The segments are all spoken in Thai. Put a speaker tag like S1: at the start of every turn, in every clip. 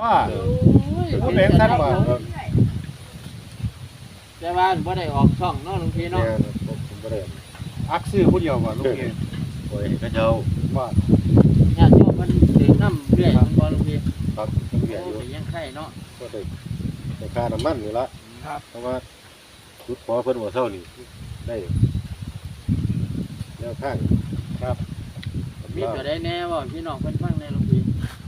S1: ว่าพูดเองท่านว่า
S2: แต่ว่าบ่ได้ออกช่องเนาะหลวงพี่
S3: เนี่ย
S2: เนาะ
S3: ผมบ่ได้
S1: อักซื้อผู้เดียวว่าลูกเอง
S3: ปล่อยให้เขาเจ้า
S1: ว่า
S2: ญาติโยมมันถือน้ำเรื่อยมันบ่หลวงพี่
S3: ครับต้องเบียด
S2: โอ้
S3: อยู่
S2: ยยังไข่เนาะ
S3: ก็ได้แต่ค่าน้ำมันนี่ละ
S1: ครับ
S3: เพราะว่าชุดขอเพิ่นบ่เท่านี่ได้แนวข้าง
S1: ครับ
S2: มีตัวใดแน่บ่พี่น้องเพิ่นฟังแน่หลวงพี่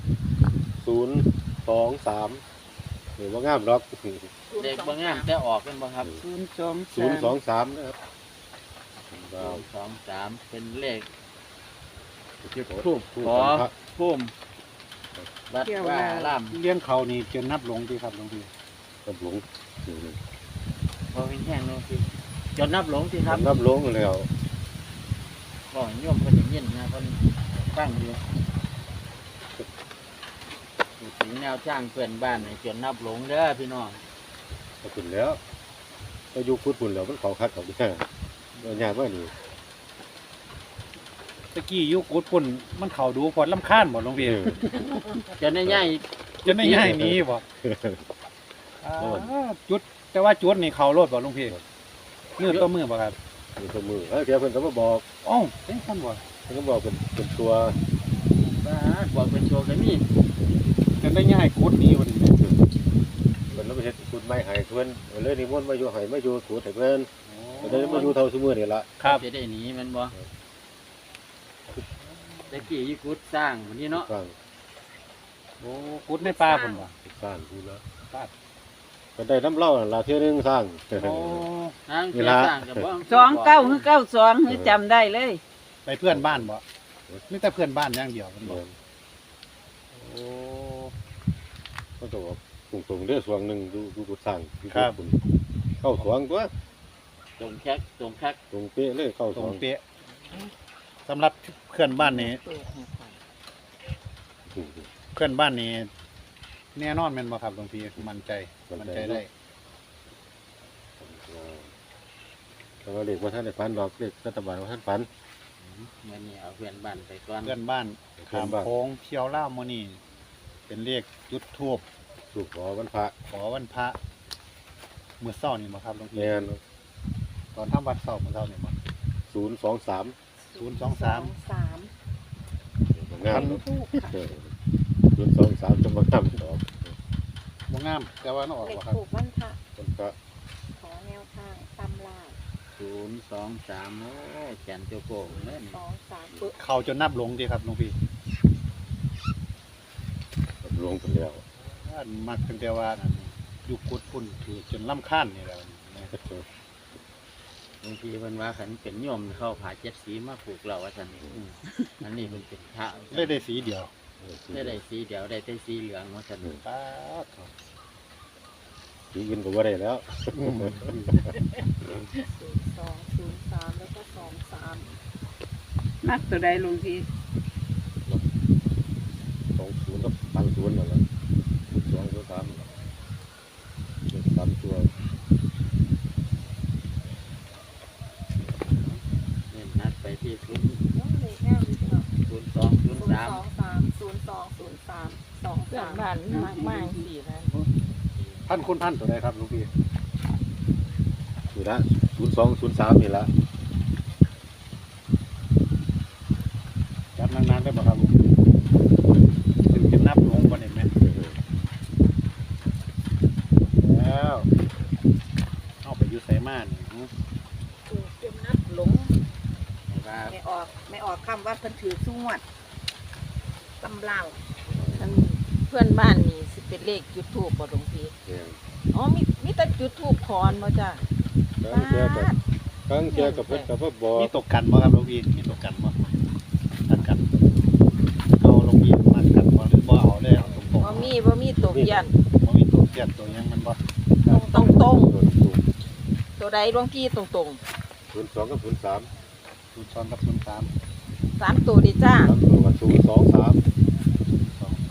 S3: 023หรือว่างามล็อก
S2: เด็กบ่งามแต่ออกกันบ่ครับ
S3: 023นะครับ
S2: 223เป็นเลข
S3: ที่ผม
S2: ทูบขอพุ่มวัดว่าล่าม
S1: เลี้ยงเขานี่จนนับหลงดีครับหลวงพี่
S3: กับหลง
S2: บ่เป็นแห้งหลวงพี่จนนับหลงสิครับ
S3: นับหลงแล้ว
S2: บ่โยมเพิ่นได้ยินนะเพิ่นฟังอยู่ถึงแนวทางเพื่อนบ้านให้จนนับหลงเด้อพี่น้อง
S3: ก็ขึ้นแล้วก็อยู่พุทธพุ่นแล้วมันเขาคัดเขาแค่ก็ยากว่านี่
S1: ตะกี้ยุคกุดปุ่นมันเขาดูพอลำคาญหมดหลวงพี่
S2: จนได้ใหญ่
S1: จะไม่ง่ายหนี้บ่จุดแต่ว่าจุดนี่เขาโลดบ่หลวงพี่มือต่อมือบ่ครับ
S3: มีตัวมือแล้วเดี๋ยวเพิ่นก็มาบอก
S1: อ้าวเป็นคนบ่
S3: เพิ่นก็บอกเป็นตัว
S2: บ้าบอกเป็นโชว์ก็มี
S1: จะได้ง่ายกุดนี้วันนี้
S3: เพิ่นแล้วไปเฮ็ดคุณไม้ให้เพิ่นเลยนิมนต์มาอยู่ให้มาอยู่ถูให้เพิ่นก็เลยมาอยู่เท่าซุมื้อนี่ล่ะ
S1: ครับ
S2: จะได้หนีมันบ่ตะกี้ยี่กุดสร้างวันนี้เนาะ
S3: สร้าง
S1: โอ้กุดในป่าผมบ่
S3: สร้างพูดแล้ว
S1: ป่า
S3: ก็ได้น้ำเหล้านั่นล่ะเที่ยนึงสร้าง
S1: โอ้
S2: ทางเสียสร้างกับบ่
S4: 29คือ92คือจำได้เลย
S1: ไปเพื่อนบ้านบ่นี่แต่เพื่อนบ้านอย่างเดียวมันบ่โอ้
S3: ก็ต้องบอกตรงๆเด้อสวงหนึงดูกุดสร้าง
S1: ครับ
S3: เข้าสวงตัว
S2: ตรงแคกตรงคัก
S3: ตรงเป๊ะเลยเข้า
S1: ต
S3: ส
S1: ร
S3: ว
S1: ง
S3: ง
S1: เป๊ะสำหรับเพื่อนบ้านนี้เพื่อนบ้านนี้แน่นอนแม่นบ่ครับหลวงพี่มั่นใจได้
S3: แต่ว่าเลขว่าท่านได้ฝันดอกเลขรัฐบาลว่าท่านฝัน
S2: เมื่อนี้เอาเพื่อนบ้านไปก่อน
S1: เพื่อนบ้านขามโค้งเที่ยวล่าวมื้อนี้เป็นเลขจุดทูบ
S3: ถูกขอวันพระ
S1: ขอวันพระมื้อเช้านี่บ่ครับหลวงพี่
S3: แม่น
S1: ตอนทำวัดเช้ามื้อเช้านี่บ่
S3: 023
S1: 023
S3: งาม023จะมางามดอก
S1: บ่งามแต่ว่ามันออก
S5: เด็ก
S1: บ่ครับ
S5: ถูกวันพระ
S3: มันก็
S5: ขอแนวทางตำรา
S2: 023โอ้ยแขนโจโก้เล่น
S5: 2 3ปึ๊บ
S1: เขาจนนับหลงดีครับหลวงพี่
S3: ลงไปแล้ว
S1: อันมักตั้งแต่ว่าอันอยู่กุดพุ่นถือจนลำคาญนี่แหล้ว
S2: บางทีมันว่าขันเป็นโยมเข้าผาเจ็ดสีมาผูกเราว่าซั่นอันนี้มันเป็นพระ
S1: ได้สีเดียว
S2: ได้สีเดียวได้แต่สีเหลืองว่าซั่น
S1: ป้าด
S3: สีอื่นก็บ่ได้แล้ว
S5: 02 03 แล้วก็ 23
S4: มักตัวใดลุงพี่
S3: 20กับ30นั่นแหละ2ตัว3ตัว
S2: เน้นนัดไปที่0
S5: น้องเลยแง่ดีเนาะ
S2: 02 03
S5: 02 03 02
S4: เพื่อน
S5: 23
S4: บ้านมากมากสินะ
S1: พันคุณพันตัวใดครับหลวงพี่
S3: นี่ละ0203นี่ละ
S1: จับนานๆได้บ่ครับถึงจะนับหลงบ่ได้แม่แล้วเอาไปอยู่ไสมานี่
S5: ถูกจนนับหลง
S2: ว่า
S5: ไม่ออกคำว่าเพิ่นถือสู้งวดตำรา
S4: อันเพื่อนบ้านนี่สิเป็นเลขจุดทูบบ่ลุงพี่
S3: เนี่ย
S4: อ๋อมีแต่จุดทูบขอนบ่จ้ะ
S3: ครั้งเทียกับเพิ่นก็บ่บอก
S1: มีตกกันบ่ครับหลวงพี่มีตกกันบ่ตัดกันเอาหลวงพี่มัดกันบ่หรือบ่เอาเลยเอาตรงๆ
S4: บ่มีตกยัน
S1: บ่มีตัวเสียดตัวหยังมันบ่
S4: ตรง
S3: ถูก
S4: ๆตัวใดหลวงพี่ตรง
S3: 02กับ03
S1: 02กับ03
S4: ๆ3ตัวดิจ้า
S3: 3ตัวกับ023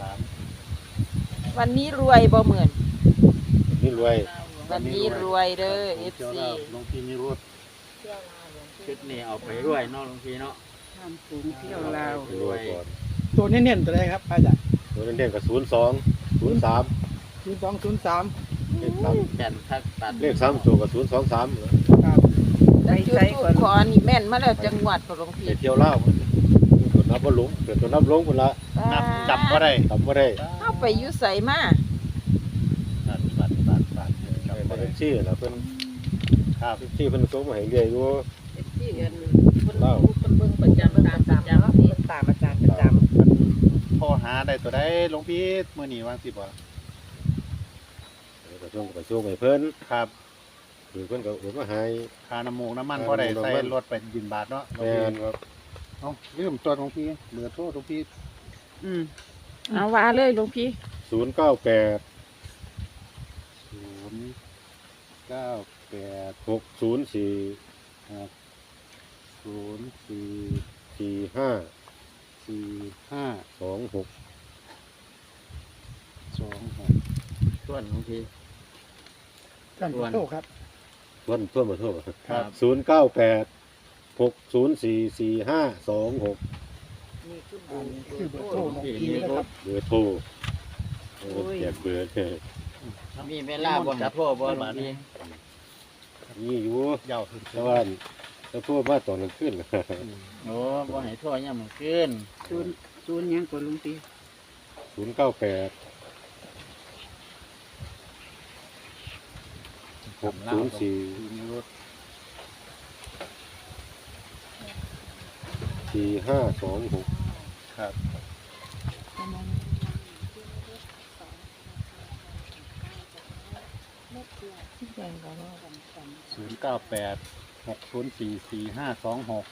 S1: 23
S4: วันนี้รวยบ่เหมือน
S3: นี่รวย
S4: วันนี้รวยเด้อ FC
S1: หลวงพี่นิรุต
S5: เที่ยวลาวหลวงพี่
S2: ชุดนี้เอาไปด้วยเนาะหลวงพี่เนาะ
S4: ทำสูงเที่ยวลาว
S3: รวยก่อน
S6: ตัวเน้นๆตัวใดครับอาจารย์
S3: ตัวเด่นๆกับ02 03
S6: 0203
S3: เลขสาม
S2: แก่นทักตัด
S3: เลข3ตัวกับ023
S6: ครับ
S4: แล้วจุดทูบขอนี่แม่นมาแล้วจังหวัดบ่หลวง
S3: ไป
S4: พี่
S3: เที่ยวเล่าวตัวนับบ่ลงเกิดตัวนับลงพุ่นละ
S1: นับจำบ่ได้
S3: จำบ่ได้
S4: เอาไปอยู่ไสมา
S1: บัดจำ
S3: ไป
S1: บ่
S3: มา
S1: ได้
S3: แท็กซี่ล่ะเพิ่น
S1: ครับ
S3: แท็กซี่เพิ่นส่งมาให้เรื่อยอยู่
S4: ที่เรียน
S3: เล่า
S4: เพิ่นเบิ่งประจำตามประจำ
S5: เพิ่นตามอาจารย์ประจำ
S1: มันโทรหาได้ตัวใดหลวงพี่มื้อนี้วางสิบ่
S3: ไปส่งไปส่งให้เพิ่น
S1: ครับ
S3: คือเพิ่นก็โอนมาให้
S1: ค่าน้ำมูกน้ำมันพอได้ใส่รถไปบินบาทเนาะหลวง
S3: แม่
S1: พี่
S3: นครับ
S1: เอ้าลืมตัวหลวงพี่เหลือโทษหลวงพี่
S4: เอาว่าเลยหลวงพี่
S3: 098
S1: 098
S3: 604
S1: ครับ04
S3: 45
S1: 45
S3: 26
S1: 26
S2: ส่วนบางที
S6: กันขอโทษครับ
S3: ทวนบ่โทษ
S1: ครับ
S3: 098 604 4526
S4: นี่คือ
S6: อันนี้คือเบอร์โทรของ
S2: ที่
S6: พี่
S2: มี
S6: นะ
S2: ร
S6: ครั
S2: ถ
S6: บ
S3: เบอร์โทรแจกเบอร์
S2: มีเวลาบ่ให้โทรบ่หลวงพี่
S3: นี่อยู่
S1: ยาวขึ้น
S3: แต่ว่าถ้าโทรมาตอนกลางคืน
S2: โอ้บ่ให้โทรยามมื้อคืน
S5: ศูนย์ยังกว่าลุงปี
S3: 098 604
S1: มีรถ
S3: 4526
S1: ครับ 098 604 4526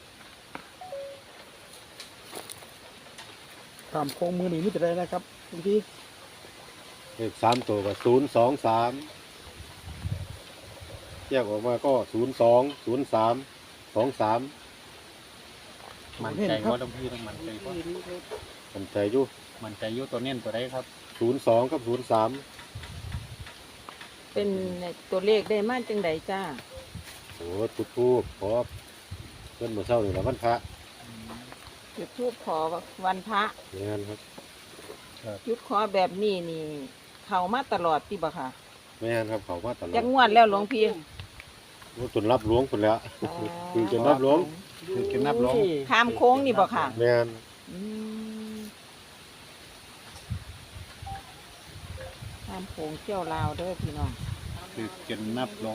S6: ตามโค้งมือนี่ไม่จะได้นะครับบางที
S3: เลข3ตัวก็023แยกออกมาก็02 03 23
S1: มันใจว่าหลวงพี่ต้องมันใจว่า
S3: มันใจอยู่
S1: มันใจอยุ่ตัวเน้นตัวใดครับ
S3: 02กับ03
S4: เป็นตัวเลขได้มาจังใดจ้า
S3: โอ้จุดทูบขอเพิ่นมื้อเช้านี่ละวันพระ
S4: จุดทูบขอวันพระ
S3: อย่างนั้นครับ
S4: จุดขอแบบนี้นี่ เข้ามาตลอดที่บ่ค่ะ
S3: แม่นครับเขามาตลอด
S4: จักงวดแล้วหลวงพี่
S3: โอ้จนรับหลวงพุ่นแล้ว คือจนรับหลวง
S1: คือกินนับลง
S4: ข้ามโค้งนี่บ่ค่ะ
S3: แม่น
S4: อืมข้ามโค้งเที่ยวลาวเด้อพี่น้อง
S1: คือกินนับลง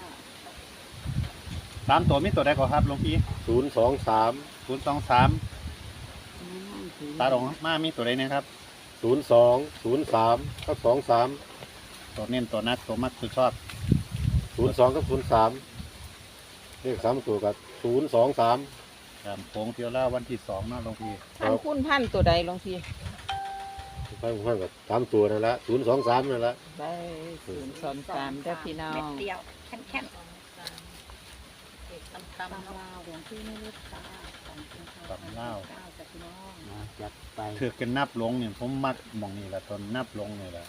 S1: 3ตัวมีตัวใดก็ครับหลวงพี่
S3: 023
S1: 023ตาดงมามีตัวใดนะครับ
S3: 02 03กับ23
S1: ตัวเน้นตัวนักตัวมักตัวชอบ
S3: 02กับ03เลข3ตัวกับ023
S1: ครับโค้งเที่ยวล่าวันที่2เนาะหลวงพี่
S4: ท่านคุณพันตัวใดหลวงพี่
S3: ไปผมให้กับ3ตัวนั่นละ023นั่นละ
S4: ได้023เด้อพี่น้อ
S5: เม็ด
S4: ง
S5: เดียวแค่น
S4: ตำลาวหลวงพี่ไม่รู้ตา
S1: ตำเล่าว
S2: มาจัดไป
S1: คือกินนับลงเนี่ยผมมักหมองนี่แหละตอนนับลงนี่แหละ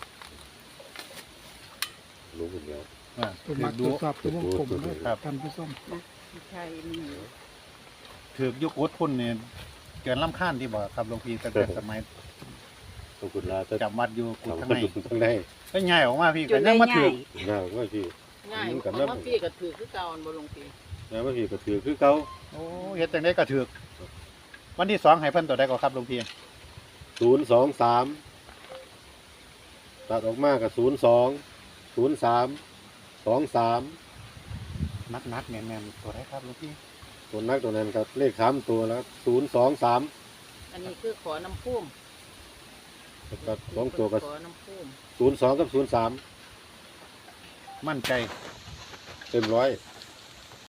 S3: รู้คนเดียว
S1: ว่า
S6: ตัว
S1: คือ
S6: มาตร
S1: ดู
S6: วจสอบตัววงกลมนะครับท่านผู้ชม
S5: ใช่นี่
S1: ถือยุคอุดพุ่นเนี่ยเกินล้ำค่านที่บอกครับหลวงพี่ตั้งแต่สมัย
S3: ขอบคุณลาจะ
S1: จำวัดอยู่กุด
S3: ทำ
S1: ข้าง
S3: ให้
S1: ใน
S3: ทั้งใน
S1: ก็ง่ายออกมาพี่
S5: จ
S1: ก็
S5: น
S1: ยั
S5: ได้
S1: งมา
S5: ให
S1: ถื
S5: ญ่
S1: อ
S3: ง่ายว่าพี่
S4: ง่าย
S3: กัน
S4: เพ
S3: แล้ว
S4: ราะว่าพี่ก็ถือคือเก่าบ่หลวงพี่
S3: ง่ายว่าพี่ก็ถือคือเก่า
S1: โอ้เฮ็ดจังได้ก็ถือวันที่2ให้เพิ่นตัวใดก็ครับหลวงพี่
S3: 023ตัดออกมากับ02 03 23
S1: นักๆแม่นๆตัวใดครับหลวงพี่
S3: ตัวนักตัวนั้นครับเลข3ตัวแล้ว023
S4: อันนี้คือขอน้ำพุ่ม
S3: แล้วก็2ตัวกับ
S4: ขอน้ำพุ่ม
S3: 02กับ03
S1: มั่นใจ
S3: เต็มร้อย